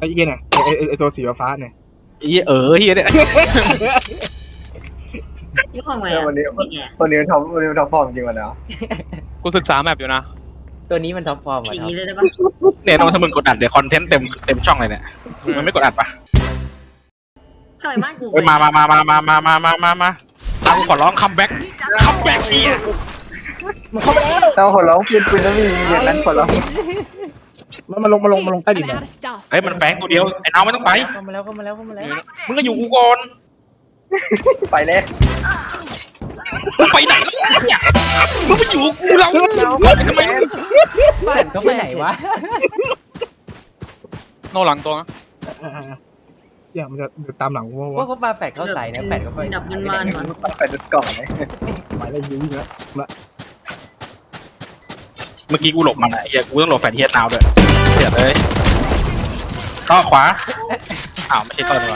อ้เหี้ยเนี่ยไอ้ตัวสีฟ้าเนี่ยเฮียเฮียเนี่ยยี่ห้อไงวันนี้ไม่แก่วันนี้มันท็อปฟอร์มจริงวันนี้กูศึกษาแมปอยู่นะตัวนี้มันท็อปฟอร์มออ่ะย่างท็อปนี้เลยได้ปะเนี่ยต้องถ้ามึงกดอัดเดี๋ยวคอนเทนต์เต็มช่องเลยเนี่ยมันไม่กดอัดปะทำไมบ้านกูเฮ้ยมาเอาขอร้องคัมแบ็กเฮียมันเข้าไปแล้วเราคนร้องปืนแล้วมีอย่างนั้นคนร้องมันลงใต้ดิน I'm เนี่ย out of stuff. เฮ้ยมันแฝงตัวเดียวไอ้น้องไม่ต้องไปเข้ามาแล้วมึงก็อยู่กูก่อนไปเลยมึงไปไหนแล้วเนี่ยมึงไปอยู่กูเราทำไมบ้านเขาไปไหนวะโนหลังตัวนะเนี่ยมันจะตามหลังกูว่าว่าเขาปาแฝดเขาใส่นะแฝดเขาไปดับมันมันก่อนไปดุดกล่องเลยไปแล้วยิงแล้วเมื่อกี้กูหลบมันไอ้เฮียกูต้องหลบแฟนเฮียนาวด้วยเสียเลยต่อขวาอ้าวไม่ใช่ต่อดีกว่า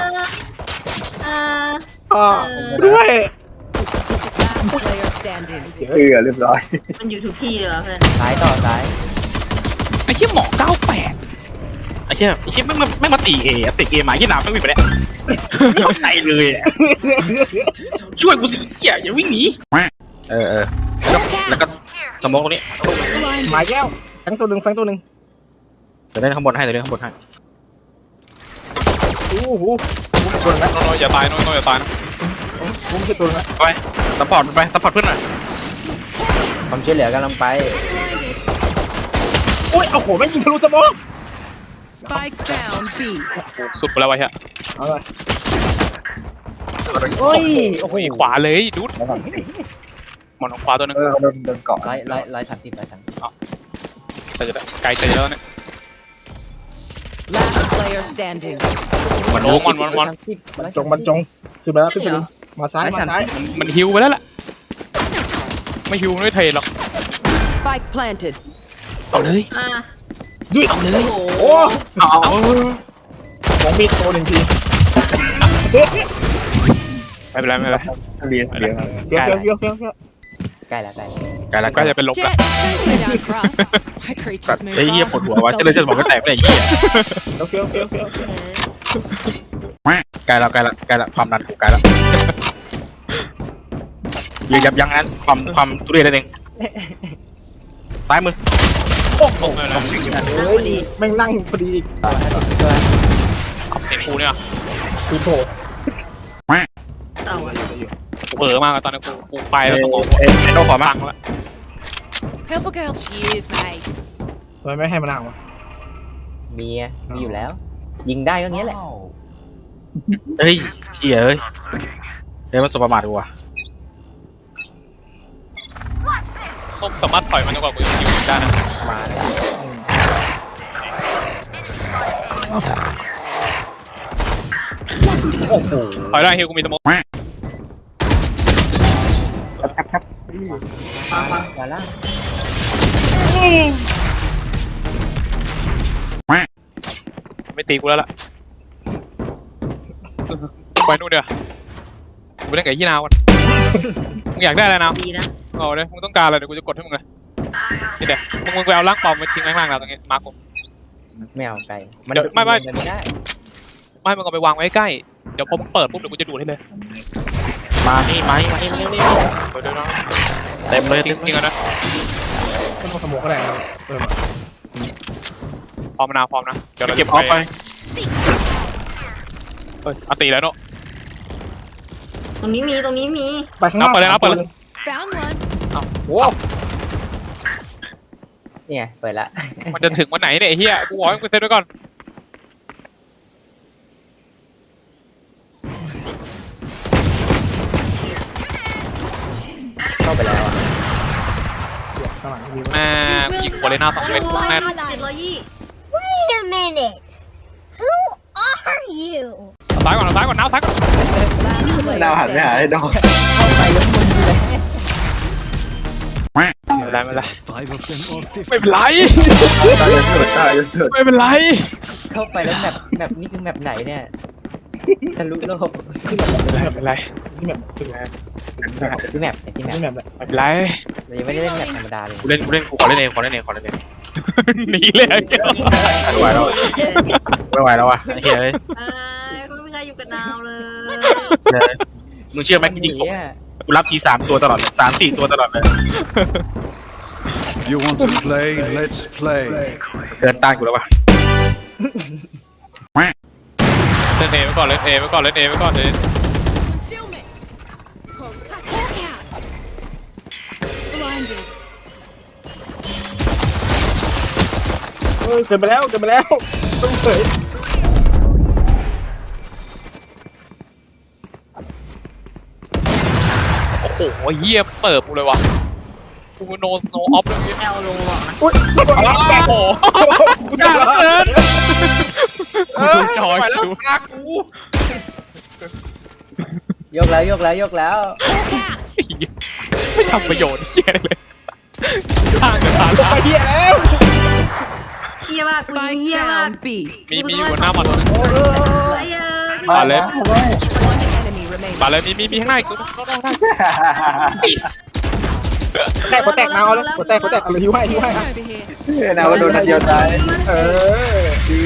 ด้วย Last player standing. เรียบร้อยมันอยู่ทุกที่เลยว่ะเพื่อนซ้ายต่อซ้ายไอ้เฮียหมอ98ไอ้เฮียไม่มาตีเอติเอมาที่หนาวไม่มีไปแล้วไม่เข้าใจเลยช่วยกูสิเฮียอย่าวิ่งหนีแล้วก็สมองตรงนี้หมายแก้วแฟงตัวหนึ่งเดี๋ยวเล่นข้างบนให้โอ้โหตัวนึงนะโนอย่าตายโนอย่าตายนะกูไม่ใช่ตัวนึงนะไปซัพพอร์ตเพื่อนหน่อยความช่วยเหลือกำลังไปโอ้ยเอาโหไม่ยิงทะลุสมอง Spike down B. สุดไปแล้ววะเฮียเอาเลยโอ้ยโอ้โหขวาเลยดูดหมอนของขวาตัวนึงเขาโดนเกาะ 130 แต่จะไกลเจอแล้วเนี่ย Last player standing. มันโอ้มันบรรจงขึ้นไปแล้วขึ้นไปแล้วมาซ้ายมันฮิวไปแล้วแหละไม่ฮิวไม่เทรดหรอก Spike planted. เอาเลยด้วยเอาเลยโอ้เอาของมีตัวหนึ่งทีไม่เป็นไรเรียนเฟี้ยวใกล้แล้วก็จะเป็นลบ Jet, ละ don't lay down for us. My creatures move ไอ้เหี้ยปวด fast. หัววะจะบอกก็แตกไม่ได้เหี้ยเฟี้ยวใกล้แล้วความดันกูใกล้แล้วอย่ายับยั้งนั้นความทุเรศนั่นเองซ้ายมือโอ้โหแม่งนั่งพอดีเต็มกูเนี่ยคือโผล่เต่าเออมากตอนนี้กูไปแล้วต้องไอ้โน่ขอมาฟังแล้ว Purple girl, cheers, mate. ทำไมไม่ให้มันนั่งวะมีอยู่แล้ว ยิงได้ก็งี้แหละเฮ้ยเหี้ยเฮ้ยมันสบประมาทกูว่ะต้องสามารถถอยมันดีกว่ากูอยู่ได้นะมาแล้วโอ้โหถอยได้ฮิวกูมีสมองมาแล้วไม่ตีกูแล้วล่ะไปนู่นเดี๋ยวกูเล่นกับยี่นาวกันมึงอยากได้อะไรนาวดีนะเอาเลยมึงต้องการอะไรเดี๋ยวกูจะกดให้มึงเลยนี่เดี๋ยวมึงไปเอาล่างปอมมาทิ้งข้างล่างเราตรงนี้มาร์กูไม่เอาไกลมันเดี๋ยวไม่ได้ไม่มึงเอาไปวางไว้ใกล้เดี๋ยวพอมึงเปิดปุ๊บเดี๋ยวกูจะดูดให้เลยมานี่เต็มเลยทิ้งกันนะก็ต้องสมองก็ได้เออพร้อมนะเดี๋ยวเราเก็บออฟไปเอาตีแล้วเนาะตรงนี้มีไปข้างหน้า Found one. โอ้เนี่ยเปิดละมันจะถึงวันไหนเนี่ยไอ้เหี้ยกูบอกให้กูเซ็ตไว้ก่อนเข้าไปแล้วข้างหลังมีแม่ยิงโคเลน่า2 เม็ดแม่ 720 Wait a minute. Who are you? ซ้ายก่อนน้าวซ้ายก่อน Last ดาว player หันไม่หา standing. ให้ดอกเข้าไปแล้วมึงเลยไม่เป็นไรไม่เป็นไรตายสุดไม่เป็นไรเข้าไปแล้วแบบนี้คือแบบไหนเนี่ยทะลุโลกไม่เป็นไรที่แบบที่แมปที่แบบไม่เป็นไรเรายังไม่ได้เล่นแบบธรรมดาเลยกูเล่นกูขอเล่นเองหนีเลยไหวแล้วไม่ไหวแล้วว่ะไอ้เหี้ยเลยก็ไม่มีใครอยู่กับนาวเลยมึงเชื่อไหมกูยิงหนีอะกูรับที3 ตัวตลอดเลย3-4 ตัวตลอดเลย You want to play? Let's play. เดินต้านกูแล้วว่ะเล่นเอไว้ก่อนเล่นเอไว้ก่อนเล่นเอไว้ก่อนเลย Concealment. Hawk out. Blinded. เฮ้ยเกิดไปแล้วต้องเฉยโอ้โหเหี้ยเปิดกูเลยวะกูโนออฟเลยแอลลงหรอกนะอุ้ยโอ้โหยากเหลือเกินดูจอยไปแล้วดูตากูยกแล้วยกแล้วยกแล้ว Hawk out. ไม่ทำประโยชน์เหี้ยเลยข้างกันผ่านไปเฮียแล้วเยี่ยมากกู Spike เยี่ยมาก down B. มีอยู่หน้ามันไอ้เหี้ยมาเลย One enemy remaining. มาเลยมีข้างหน้าอีกตัวได้แตกนาวเลยหัวแตกเอาเลยหิวให้ Over here. นะว่าโดนนัดเดียวตายเออ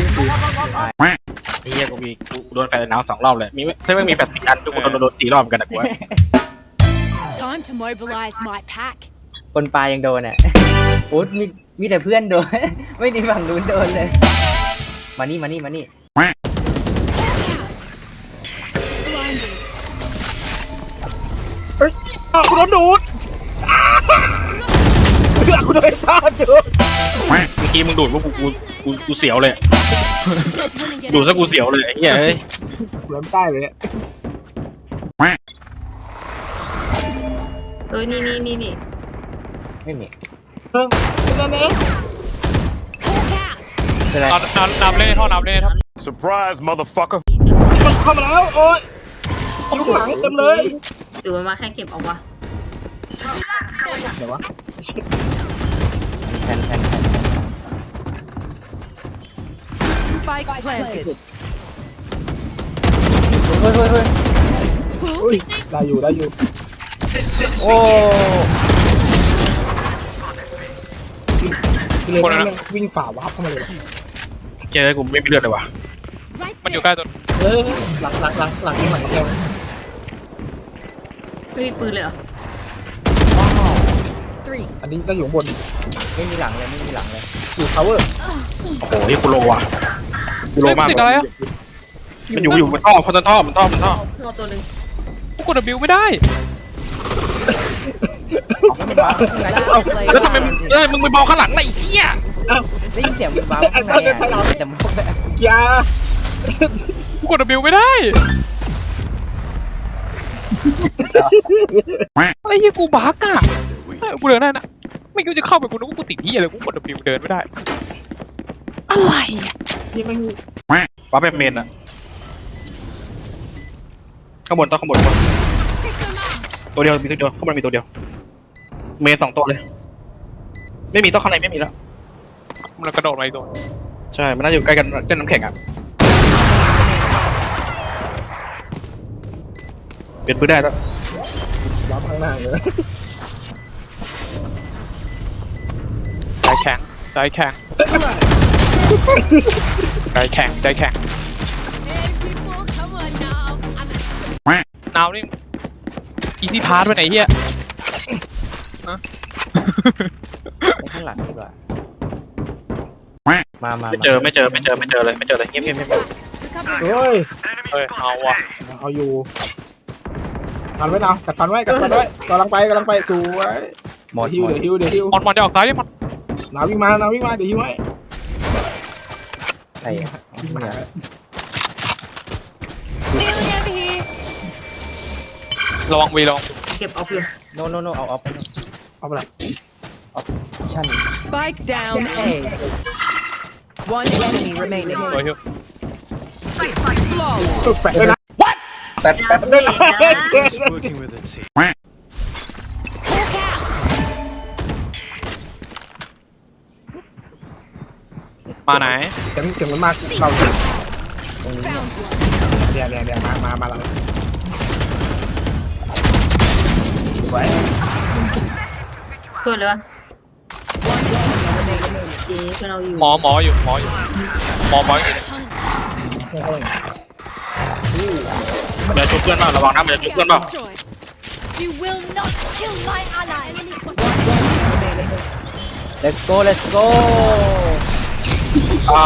ไอ้เหี้ยกูโดนแฟนหนาว2 รอบเลยมีถ้าไม่มีแฟน10 อันทุกคนโดน4 รอบเหมือนกันนะกูว่า Time to mobilize my pack. คนปลายังโดนอ่ะโอ้มีแต่เพื่อนโดน ไม่มีฝั่งนู้นโดนเลย มานี่ Blinded. เฮ้ยกูโดนดูดกูโดนต้านดูดเมื่อกี้มึงดูดว่ากูเสียวเลย Winning it ดูด out. ซะกูเสียวเลยไอ้เหี้ยเอ้ยกูโดนใต้เลยนี่ไม่มีเพิ่งนั่นเอง Hawk out. เป็นไรนำเล่นท่อนำเล่นท่อน Surprise, motherfucker. มันเข้ามาแล้วโอ๊ยอยู่ข้างหลังเต็มเลยหรือมันมาแค่เก็บเอาวะเดี๋ยววะแทน Spike planted. เฮ้ยอุ้ยได้อยู่โอ้คือเลยมันวิ่งฝ่าวาร์ปเข้ามาเลยเฮ้ยกูไม่มีเลือดเลยว่ะ Right มันอยู่ there. ใกล้ตัวเออหลังที่หลังแกไม่มีปืนเลยเหรอ Three. อันนี้ก็อยู่บนไม่มีหลังเลยอยู่ power โอ้โหนี่กูโลว่ะกูโลมากติดอะไรอ่ะมันอยู่บนท่อมันท่อเอาตัวหนึ่งกูกด W ไม่ได้แล้วทำไมมึงไปมองข้างหลังล่ะไอ้เหี้ยได้ยินเสียงมันบ้าข้างในอ่ะแต่มันยากูกด W ไม่ได้ไอ้เหี้ยกูบั๊กอ่ะกูเดินได้นะไม่กูจะเข้าไปกูนึกว่ากูติดเหี้ยเลยกูกด W เดินไม่ได้อะไรที่มันว้าแบบเมนอะข้างบนข้างบนตัวเดียวมีตัวเดียวข้างบนมีตัวเดียวเมน2 ตัวเลยไม่มีต้องข้างในไม่มีแล้วมันกระโดดมาอีกตัวใช่มันน่าอยู่ใกล้กันใกล้น้ำแข็งอะเปลี่ยนปืนได้แล้วรับข้างหน้าเลยใจแข็ง Hey, people, come on now. I'm นาวนี่อีซี่พาร์ทไปไหนเฮียข้างหลังดีกว่ามาไม่เจอเลยเงียบเฮ้ยเฮ้ยเอาว่ะเอาอยู่ฟันไว้นะกัดฟันไว้กำลังไปสวยหมดเดี๋ยวฮิวมันจะออกซ้ายดิมันนาวิ่งมาเดี๋ยวฮิวให้ใช่วิ่งมา feeling over here. ระวังวีลงเก็บเอาอยู่โนเอาออฟเอาไปเลยชั่น Spike down A. One enemy remaining. โดยฮิว Flawless. แปะเลยนะแป๊บดาเมจนะ Working with a team. Hawk out. มาไหนเสียงมันมากเราตรงนี้ Found one. เดี๋ยวมาเราไว้เพื่อนเลยวะเจ๊เพื่อนเราอยู่หมออยู่หมออยู่มันจะชุบเพื่อนเปล่าระวังนะมันจะชุบเพื่อนเปล่า Destroyed. You will not kill my ally. let's go let's go อ้าว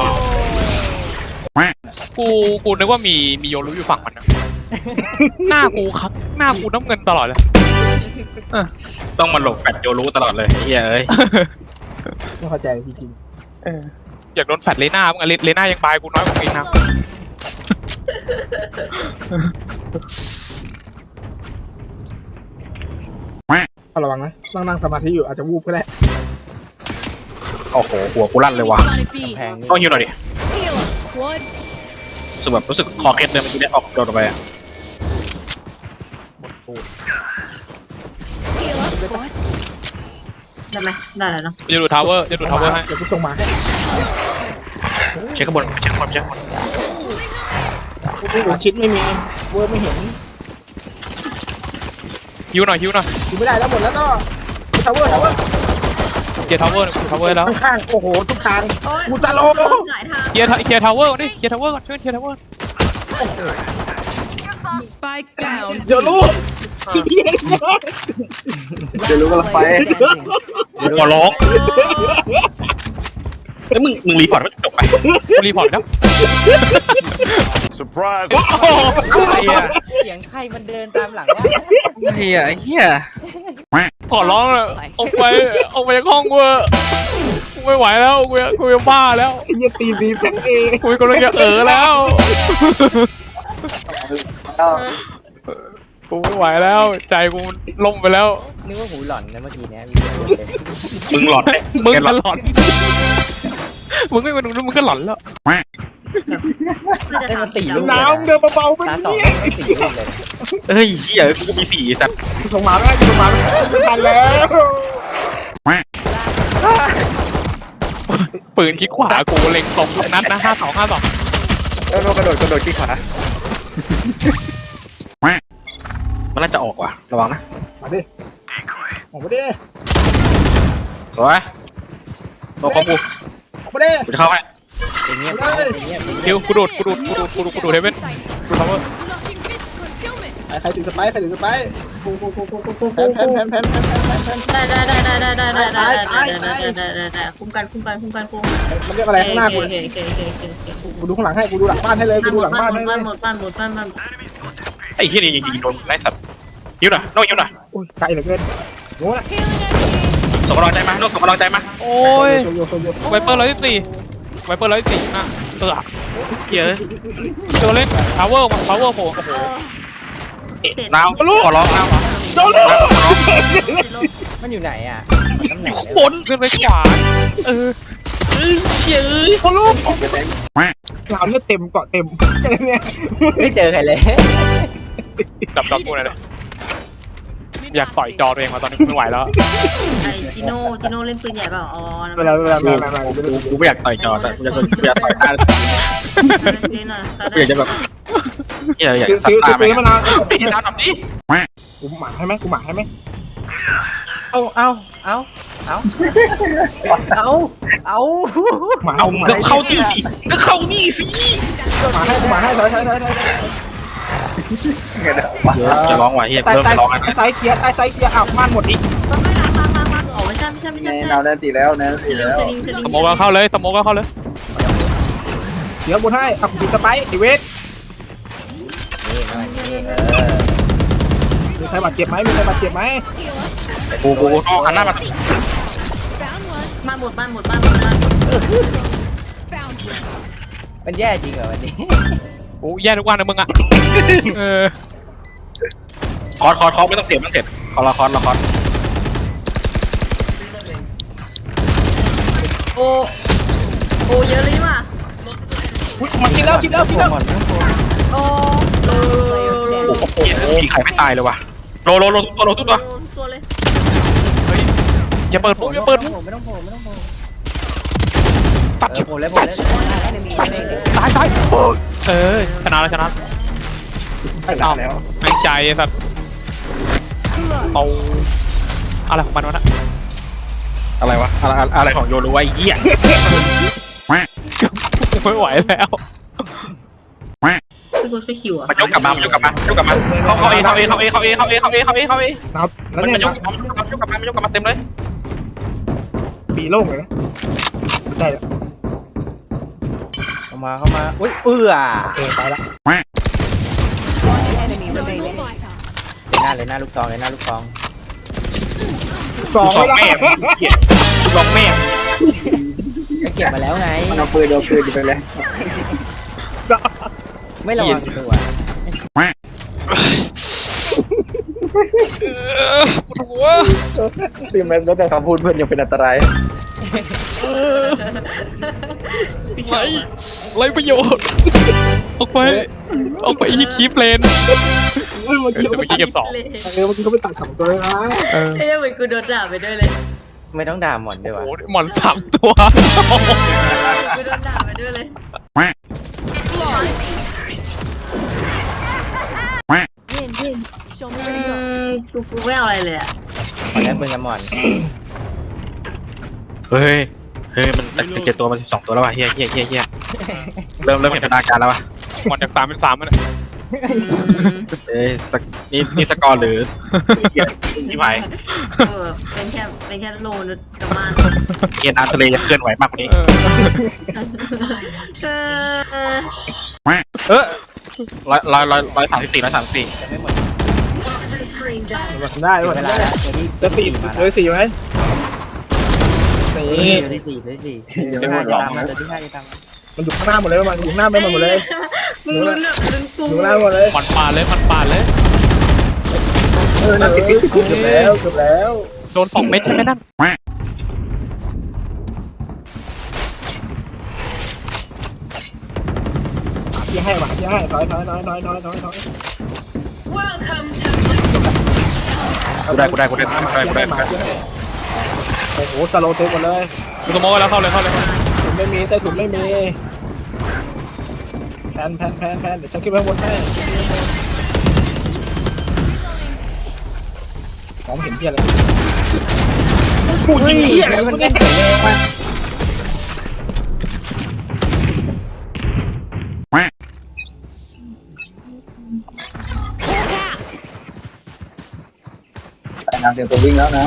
กูนึกว่ามีโยรุอยู่ฝั่งมันนะ หน้ากูครับหน้ากูน้ำเงินตลอดเลยต้องมาหลบแฟดโยรู้ตลอดเลยไอ้เหี้ยเอ้ยไม่เข้าใจจริงอยากโดนแฟดเลน่ามึงอะเลน่ายังบายกูน้อยกว่าอีกนะๆเอาระวังนะนั่งสมาธิอยู่อาจจะวูบก็ได้โอ้โหหัวกูลั่นเลยว่ะแพงนี่ต้องฮิวหน่อยดิ Heal up, squad. รู้สึกคอเคล็ดเลยเมื่อกี้เนี่ยออกโดนออกไปอะ Heal up, squad. ได้ไหมได้แล้วเนาะจะดูทาวเวอร์จะดูทาวเวอร์ให้เดี๋ยวกูส่งมาให้เช็คข้างบนเช็คข้างบนเช็คข้างบนอาชิดไม่มีเวิร์ดไม่เห็นฮิวหน่อยกูไม่ได้แล้วหมดแล้วก็ทาวเวอร์เคลียร์ทาวเวอร์แล้วข้างๆโอ้โหทุกทางโอ้ยกูจะลงหลายทางเคลียร์ทาวเวอร์ก่อนดิเคลียร์ทาวเวอร์ก่อนช่วยเคลียร์ทาวเวอร์ Spike down. เดี๋ยวลูกเดี๋ยวรู้กันละไปขอร้องแล้วมึงรีพอร์ตไม่จบไปกูรีพอร์ตครับ Surprise! ไอ้เหี้ยเสียงใครมันเดินตามหลังวะไอ้เหี้ยขอร้องเลยออกไปจากห้องกูไม่ไหวแล้วกูจะบ้าแล้วอย่าตีบีแฟงเอกูกำลังจะแล้ว กูไม่ไหวแล้ว ใจกูล่มไปแล้วนึกว่าหูหล่อนนะเมื่อกี้เนี้ยมึงหลอดมึงก็หลอนมึงไม่มาดูมึงก็หลอนแล้วคือจะได้ถามมาสี่ลูกน้ำเดินเบาๆไปตาสองเนี่ยได้สี่ลูกเลยเฮ้ยเหี้ยกูก็มี4สัตว์กูส่งมาไม่ได้กูส่งมาไม่ทันแล้วปืนคิดขวากูเล็งตรงนัดนะ52 แล้วกระโดดขี้ขามันน่าจะออกว่ะระวังนะมาดิออกมาดิสวยตัวคอมบูออกมาดิกูจะเข้าให้อย่างเงี้ยอย่างเงี้ยคิวกูดูดเฮเว่นดูทาวเวอร์ Unlocking mist concealment. ใครถือสไปร์ใครถือสไปร์กูแพนได้คุ้มกันกูมันเรียกอะไรข้างหน้ากูโอเคกูดูข้างหลังให้กูดูหลังบ้านให้เลยกูดูหลังบ้านให้เลยหมดบ้านไอ้เหี้ยนี่ยิงโดนไล่สัตว์ฮิวหน่อยน้องฮิวหน่อยโอ้ยไกลเหลือเกินโง่ละ Healing enemy. ส่งกำลังใจมาน้องส่งกำลังใจมาโอ้ยโยโยไวเปอร์114นะเหี้ยเจอเล่นทาวเวอร์โผล่โอ้โหน้ำขอร้องน้ำโดนเลยมันอยู่ไหนอ่ะตำแหน่งข้างบนขึ้นไปขวาเฮ้ยเฮ้ยเขาลูกหลามเนี่ยเต็มเกาะเต็มเนี่ยไม่เจอใครเลยดับกูหน่อยเลยอยากต่อยจอตัวเองมาตอนนี้ไม่ไหวแล้วไอจิโน่เล่นปืนใหญ่เปล่าอ๋อเวลากูไม่อยากต่อยจอแต่กูอยากต่อยหน้าเล่นอ่ะกูอยากจะแบบเหี้ยอยากซื้อสัตว์ตาซื้อไหมมานานไม่ได้ทำนี้กูหมาให้ไหมกูหมาให้ไหมเอาหมาเอาหมาก็เข้าที่สิก็เข้านี่สิหมาให้ถอยจะร้องว่ะเฮียใต้เริ่มใต้ร้องกันไซส์เกียร์ใต้ไซส์เกียร์อ้าวม่านหมดอีกไม่ล้างอ๋อไม่ใช่แนวแนนตีแล้วแนนตีแล้วสโมกก็เข้าเลยเดี๋ยวบนให้อ่ะกูสไปร์ไอเวทนี่มันนี่มีใครบาดเจ็บไหมมีใครบาดเจ็บไหมกูต้องหันหน้ามา Found one. บ้านหมด Found one. มันแย่จริงเหรอวันนี้โอ้แย่ทุกวันนะมึงอ่ะคอร์ไม่ต้องเสียบคอร์ละคอร์โอ้เยอะเลยว่ะอุ้ยมันกินแล้วโอ้เฮียมีใครไม่ตายเลยว่ะโลทุกตัวตัวเลยอย่าเปิดปุ๊บไม่ต้องโผล่ตัดโผล่เลยตายชนะเอาไอ้ใจไอ้สัตว์เอาอะไรของมันวะนะอะไรวะอะไรของโยรู้ไอ้เหี้ยไม่ไหวแล้วพี่กูช่วยคิวอ่ะมันยกกลับมายกกลับมาเข้าเอเข้าเอเข้าเอเข้าเอเข้าเอเข้าเอเข้าเอเข้าเอครับแล้วมันเนี่ยยกกลับมายกกลับมาเต็มเลยปีโล่งเลยนะได้แล้วเข้ามาอุ้ยตายละ Enemy remaining. เลยหน้าลูกซองเลยหน้าลูกซองสองสองไม่แม่ได้ลองแม่ก็เก็บมาแล้วไงมันเอาปืนอยู่ไปเลยสองไม่ระวังตัวตีแมนแล้วแต่คำพูดเพื่อนยังเป็นอันตรายไรประโยชน์ ออกไปอีกคีเพลนเมื่อกี้เดี๋ยวเมื่อกี้เก็บสองเลยเมื่อกี้เขาไปตัดสองตัวเลยนะเออเฮ้ยเหมือนกูโดนด่าไปด้วยเลยไม่ต้องด่าหมอนด้วยโอ้วะโหหมอน3 ตัวกูโดนด่าไปด้วยเลย Win, win. Show me อื where to go. กูไม่เอาอะไรเลยอ่ะหมอนแรกปืนกับหมอนเฮ้ยมัน17ตัวมัน12ตัวแล้วว่ะเฮียเริ่มเห็นพัฒนาการแล้วว่ะหมอนจาก3 เป็น 3มันยนี่สกอร์หรือที่ไหนเป็นแค่โลนึกกับมันเกียร์น้ำทะเลจะเคลื่อนไหวมากกว่านี้ 134 จะไม่หมดมาทำได้ถึงมาเวทำลาได้แล้วตัวที่จะสี่มาเลยสี่ไหมนี่ตัวที่4ตัวที่4ตัวที่5จะตามมาตัวที่5จะตามมามันอยู่ข้างหน้าหมดเลยมันอยู่ข้างหน้าไม่หมดเลยมึงลุ้นแบบลุ้นกูอยู่ข้างหน้าหมดเลยมันปาดเลยนั่นเกือบแล้วโดน2 เม็ดใช่ไหมนั่นที่ให้มาที่ให้ถอย Welcome to กูได้โอ้โหสโลเทคหมดเลยกูสโมกแล้วเข้าเลยถุนไม่มีใต้ถุนไม่มีแพนเดี๋ยวฉันขึ้นไปบนให้มองเห็นเพี้ยอะไรกูยิงเพี้ยอะไรมันแรงมากน้ำเตรียมตัววิ่งแล้วนะ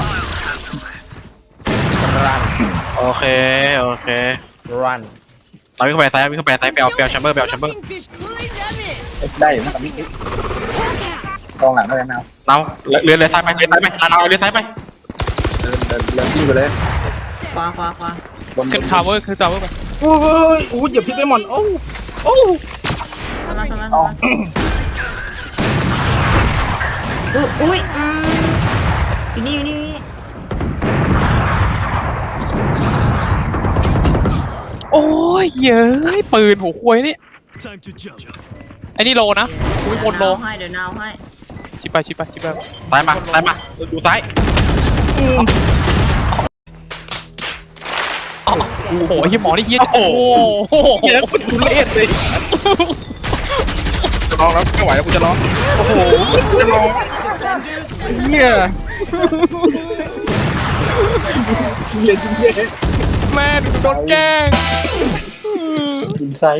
โอเครันเราวิ่งเข้าไปซ้ายไปเอาแชมเบอร์ fucking fish. Pulling them in. ได้อยู่นะกับมิกกองหลังก็ได้นะเราเรือซ้ายไปเราเรือซ้ายไปเดินที่ไปเลยขวาบนขึ้นทาวเวอร์ไปโอ้ยเหยียบพิษไปหมดโอ้ทำไมอุ้ยอยู่นี่โอ้ยเย้ยปืนหัวควยนี่ Time to jump. ไอ้นี่โลนะกูบนโลเดี๋ยวนาวให้ชิบไปซ้ายมาดูซ้ายโอ้โหไอ้หมอนี่เฮียโอ้โหเฮียกูทุเรศเลยจะร้องแล้วไม่ไหวแล้วกูจะร้องโอ้โหจะร้องเฮียแม่โดนแกล้งอินไซด์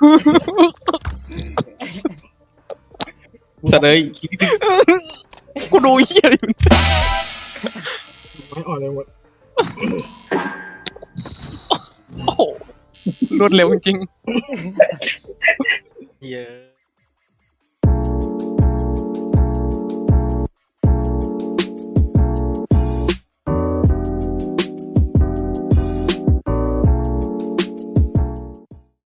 เสนอกูดูเฮียอยู่ไม่อ่อนเลยหมดโอ้โหรวดเร็วจริงเฮีย